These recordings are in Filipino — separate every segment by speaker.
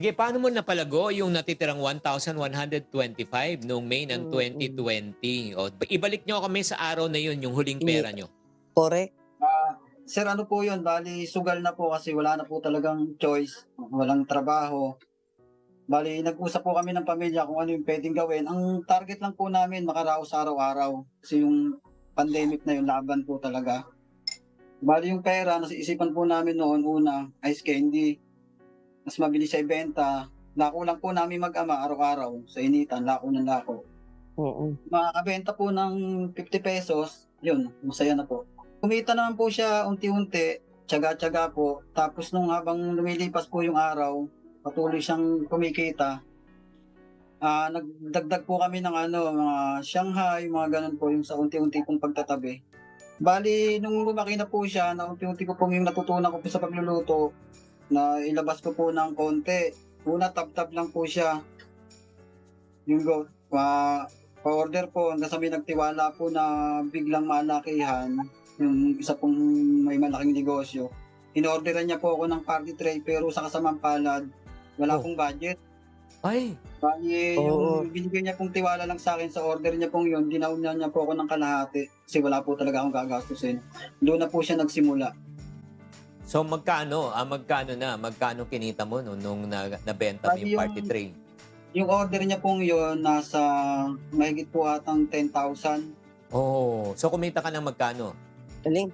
Speaker 1: Sige, paano mo napalago yung natitirang 1,125 noong May ng
Speaker 2: Mm.
Speaker 1: 2020? O, ibalik nyo kami sa araw na yun, yung huling
Speaker 2: Ini
Speaker 1: pera nyo.
Speaker 2: Correct.
Speaker 3: Sir, ano po yun, bali sugal na po kasi wala na po talagang choice, walang trabaho. Bali nag-usap po kami ng pamilya kung ano yung puwedeng gawin. Ang target lang po namin makaraos araw-araw, kasi yung pandemic na yun laban po talaga. Bali yung pera nasa isipan po namin noon una, ice candy, mas mabilis siya ibenta. Lako lang po namin mag-ama araw-araw sa initan, lako ng lako.
Speaker 2: Mm.
Speaker 3: Makakabenta po ng ₱50, yun masaya na po. Kumita naman po siya unti-unti, tiyaga-tiyaga po. Tapos nung habang lumilipas po yung araw, patuloy siyang kumikita. Nagdagdag po kami ng ano, mga Shanghai, mga gano'n po, yung sa unti-unti pong pagtatabi. Bale nung lumaki na po siya, na unti-unti ko pong yung natutunan ko po sa pagluluto, na ilabas ko po ng konti. Una tab-tab lang po siya, yung pa-order po hanggang sa may nagtiwala po na biglang malakihan, yung isa pong may malaking negosyo. Inorderan niya po ako ng party tray pero sa kasamang palad, wala
Speaker 1: Oh.
Speaker 3: pong budget.
Speaker 1: Ay,
Speaker 3: Bale
Speaker 2: Oo.
Speaker 3: yung binigay niya pong tiwala lang sa'kin sa order niya pong yun, dinauna niya po ako ng kalahati kasi wala po talaga akong gagastusin. Doon na po siya nagsimula.
Speaker 1: so magkano kinita mo nung nabenta mo
Speaker 3: Bali
Speaker 1: yung party tray?
Speaker 3: yung order niya pong yun nasa mahigit po atang 10,000.
Speaker 1: Oh, so kumita ka ng magkano?
Speaker 2: Galing.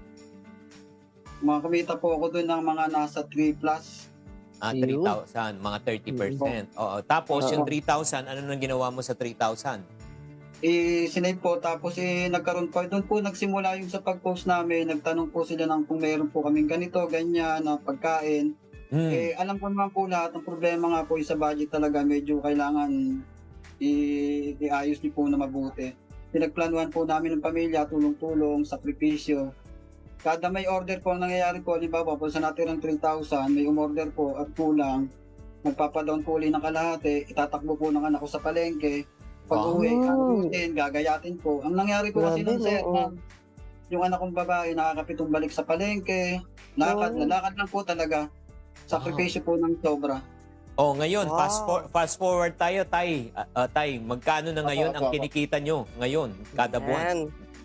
Speaker 3: Kumita po ako dun ng mga nasa 3 plus.
Speaker 2: Ayun.
Speaker 1: 3,000, mga 30%. Oo. Tapos
Speaker 2: Oo.
Speaker 1: yung 3,000, ano nang ginawa mo sa 3,000?
Speaker 3: Sinave po tapos nagkaroon po do'n po nagsimula yung sa pag-post namin, nagtanong po sila ng kung meron po kaming ganito, ganyan na pagkain. Alam ko naman po lahat, ang problema nga po yung sa budget talaga medyo kailangan iayos niyo po na mabuti. Pinagplanuhan po namin ng pamilya, tulong-tulong, sakripisyo. Kada may order po ang nangyayari po, halimbawa po sa natirang 3,000, may umorder po at kulang, magpapa-down po uli ng kalahati, itatakbo po ng anak ko sa palengke. Pag-uwi,
Speaker 2: Wow.
Speaker 3: gagayatin po. Ang nangyari po kasi
Speaker 2: Grabe,
Speaker 3: nun, sir,
Speaker 2: oo.
Speaker 3: yung anak kong babae nakakapitong balik sa palengke, lakad,
Speaker 2: Oh.
Speaker 3: lalakad lang po talaga. Sakripisyo po ng sobra.
Speaker 1: Oh, ngayon,
Speaker 2: Wow.
Speaker 1: fast forward tayo, Tay. Tay, magkano na ngayon ang
Speaker 3: Opo.
Speaker 1: kinikita nyo ngayon, kada buwan?
Speaker 2: Yan.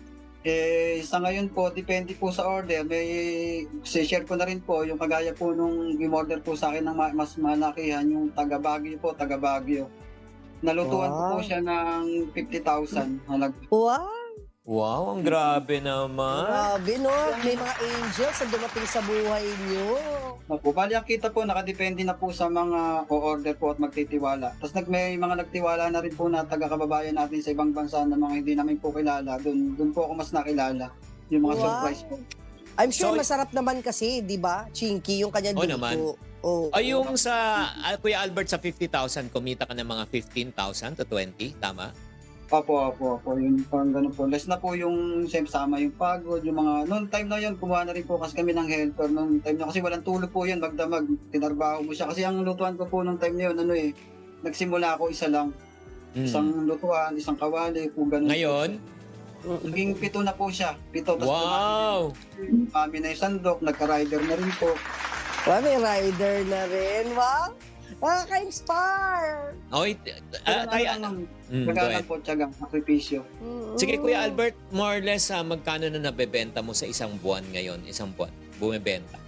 Speaker 3: Sa ngayon po, depende po sa order. Share ko na rin po yung kagaya po nung in-order po sa akin ng mas malakihan, yung taga Baguio po, taga Baguio. Nalutuan ko po
Speaker 2: Wow.
Speaker 3: siya ng 50,000 halaga.
Speaker 2: Wow.
Speaker 1: Wow, ang grabe naman.
Speaker 2: Grabe, no? May mga angels na dumating sa buhay niyo.
Speaker 3: Opo, bali ang kita po nakadepende na po sa mga o-order po at magtitiwala. Tapos may mga nagtiwala na rin po na taga-kababayan natin sa ibang bansa na mga hindi namin po kilala. Doon po ako mas nakilala. Yung mga
Speaker 2: Wow.
Speaker 3: surprise po.
Speaker 2: I'm sure
Speaker 1: So-
Speaker 2: masarap naman kasi, di ba? Chinky, yung kanyang
Speaker 1: Oo
Speaker 2: luto.
Speaker 1: naman.
Speaker 2: Oh,
Speaker 1: Ay, yung sa Kuya Albert sa 50,000, kumita ka ng mga 15,000 to 20, tama?
Speaker 3: Opo. Yung parang ganun po. Less na po yung siyempre sama yung pagod, yung mga, noong time na yun, kumuha na rin po kasi kami ng helper noong time na kasi walang tulog po yun, magdamag, tinarbaho mo siya. Kasi ang lutuan ko po noong time na yun, nagsimula ako isa lang. Isang lutuan, isang kawali, po ganun.
Speaker 1: Ngayon?
Speaker 3: Naging 7 na po siya. 7, tapos
Speaker 1: Wow!
Speaker 3: kami na yung sandok, nagka-rider na rin po.
Speaker 2: wow, may rider na rin. Wow. Nakaka-inspire.
Speaker 1: Oy, Tay, go
Speaker 3: Nagalang
Speaker 1: ahead.
Speaker 3: po, tiyagang, sakripisyo.
Speaker 1: Sige, Kuya Albert, more or less, magkano na nabebenta mo sa isang buwan ngayon? Isang buwan, bumibenta.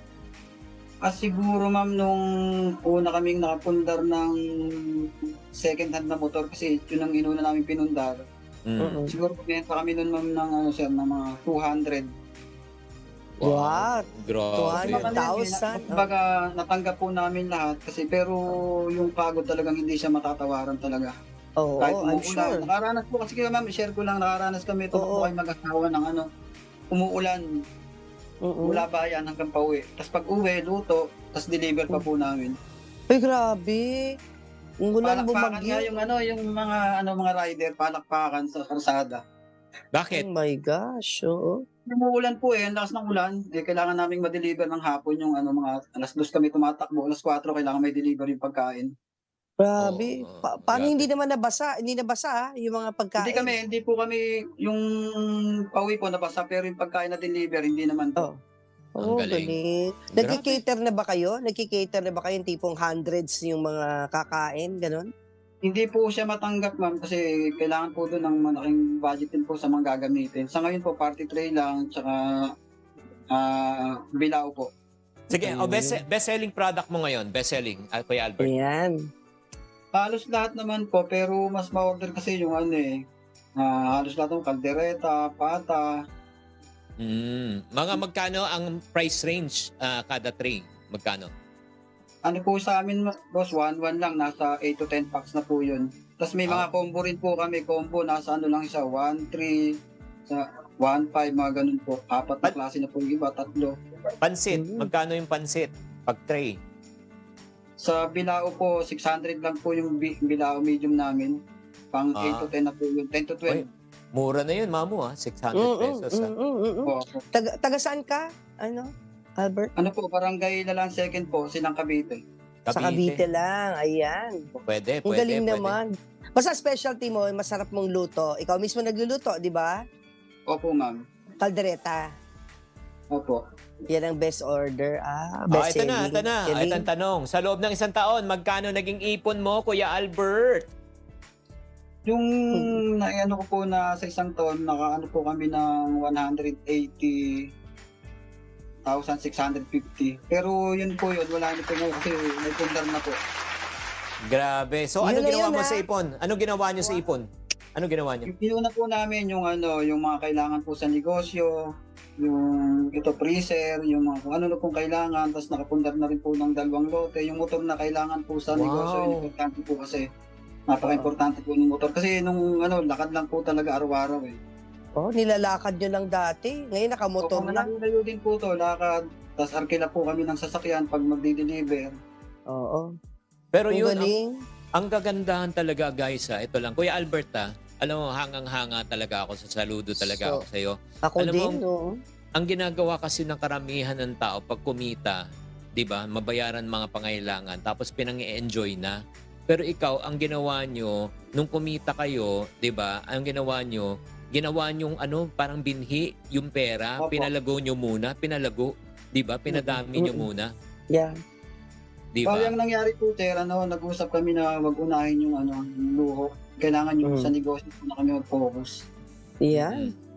Speaker 3: Siguro ma'am, nung una kaming nakapundar ng second hand na motor kasi yun ang inuna namin pinundar. Siguro kumenta kami nun ma'am ng ng mga 200.
Speaker 2: Wow.
Speaker 1: Grabe.
Speaker 2: 200,000.
Speaker 3: Kumbaga natanggap po namin lahat kasi pero yung pagod talagang hindi siya matatawaran talaga.
Speaker 2: Oo,
Speaker 3: Kahit
Speaker 2: I'm
Speaker 3: umuulan.
Speaker 2: sure.
Speaker 3: Nakaranas po kasi kaya ma'am, share ko lang, nakaranas kami ito po
Speaker 2: Oo.
Speaker 3: kayo mag-asawa ng umuulan mula bayan hanggang pauwi. Tapos pag uwi, luto, tapos deliver pa po namin.
Speaker 2: Ay, grabe. Ang gulan
Speaker 3: Palakpakan nga
Speaker 2: bumagyo.
Speaker 3: yung mga rider, palakpakan sa karsada.
Speaker 1: Bakit?
Speaker 2: Oh my gosh, oo.
Speaker 3: Umuulan po ang lakas ng ulan. Kailangan naming ma-deliver ng hapon yung mga 2:00 kami tumatakbo, 4:00 kailangan may deliver yung pagkain.
Speaker 2: Grabe.
Speaker 1: Oo,
Speaker 2: Paano
Speaker 1: grabe.
Speaker 2: hindi naman nabasa? Hindi nabasa, yung mga pagkain.
Speaker 3: Hindi po kami yung pauwi po nabasa pero yung pagkain na deliver hindi naman
Speaker 2: Oh.
Speaker 3: po.
Speaker 1: Ang
Speaker 2: Oh,
Speaker 1: galing.
Speaker 2: galing. Nagki-cater na ba kayo? Nagki-cater na ba kayo yung tipong hundreds yung mga kakain, ganon?
Speaker 3: Hindi po siya matanggap, ma'am, kasi kailangan po doon ng malaking budget din po sa mga gagamitin. Sa ngayon po, party tray lang, tsaka bilao po.
Speaker 1: Sige, best-selling product mo ngayon. Best-selling, Kuya Albert.
Speaker 2: Ayan.
Speaker 3: Halos lahat naman po, pero mas ma-order kasi yung halos lahat ng kaldereta, pata.
Speaker 1: Mga magkano ang price range kada tray? Magkano?
Speaker 3: Ano po sa amin, boss, 1-1 lang, nasa 8 to 10 packs na po yun. Tapos may mga combo rin po kami, nasa lang siya, 1-3, sa 1-5, mga ganun po. 4 na klase na po yung iba, 3.
Speaker 1: Pansit. Magkano yung pansit? Pag tray.
Speaker 3: Sa bilao po, 600 lang po yung bilao medium namin. Pang 8 to 10 na po yun, 10 to 12.
Speaker 1: Oy, mura na yun, mamu, 600 pesos.
Speaker 3: Po.
Speaker 2: Taga saan ka? Ano, Albert?
Speaker 3: Ano po, barangay Lalan Second po, Silang Cavite.
Speaker 2: Sa Cavite lang. Ayan.
Speaker 1: Pwede,
Speaker 2: Ang galing
Speaker 1: pwede.
Speaker 2: naman. Basta specialty mo, masarap mong luto. Ikaw mismo nagluluto, di ba?
Speaker 3: Opo, ma'am.
Speaker 2: Kaldereta.
Speaker 3: Opo.
Speaker 2: Yan ang best order. Best
Speaker 1: Ito
Speaker 2: selling.
Speaker 1: na.
Speaker 2: Galing.
Speaker 1: Ito ang tanong. Sa loob ng isang taon, magkano naging ipon mo, Kuya Albert?
Speaker 3: Yung naiano ko po na sa isang taon, nakaano po kami ng 180,650. Pero yun po yun, wala na po ngayon kasi may pundar na po.
Speaker 1: Grabe. So, ano
Speaker 2: Yun na
Speaker 1: ginawa
Speaker 2: yun,
Speaker 1: mo
Speaker 2: ha?
Speaker 1: sa ipon? Ano ginawa niyo sa ipon? Ano ginawa niyo?
Speaker 3: Yung pinuna po namin yung yung mga kailangan po sa negosyo, yung freezer, yung mga kung ano na pong kailangan, tapos nakapundar na rin po ng 2 lote. Yung motor na kailangan po sa
Speaker 1: Wow.
Speaker 3: negosyo, importante po kasi napaka-importante po ng motor. Kasi nung lakad lang po talaga araw-araw eh.
Speaker 2: Oh, nilalakad nyo lang dati. Ngayon nakamotor
Speaker 3: Kung
Speaker 2: na.
Speaker 3: nalayo din po to, lakad, tapos arkila po kami ng sasakyan pag magdi-deliver.
Speaker 2: Oo.
Speaker 1: Pero
Speaker 2: Ang
Speaker 1: yun,
Speaker 2: galing.
Speaker 1: ang kagandahan talaga, guys, ito lang. Kuya Albert, alam mo, hangang-hanga talaga ako sa saludo talaga ako sa'yo.
Speaker 2: Ako
Speaker 1: Alam
Speaker 2: din,
Speaker 1: mo,
Speaker 2: no?
Speaker 1: Ang ginagawa kasi ng karamihan ng tao pag kumita, 'di ba? Mabayaran mga pangailangan tapos pinang-i-enjoy na. Pero ikaw, ang ginawa nyo nung kumita kayo, 'di ba? Ang ginawa nyo parang binhi yung pera,
Speaker 3: Opo.
Speaker 1: pinalago nyo muna, 'di ba? Pinadami nyo muna,
Speaker 2: Yeah.
Speaker 1: 'di
Speaker 3: So,
Speaker 1: ba?
Speaker 3: yung nangyari po, sir, nag-usap kami na wag unahin yung luho. Kailangan yung sa negosyo po na kami mag-focus.
Speaker 2: Yeah.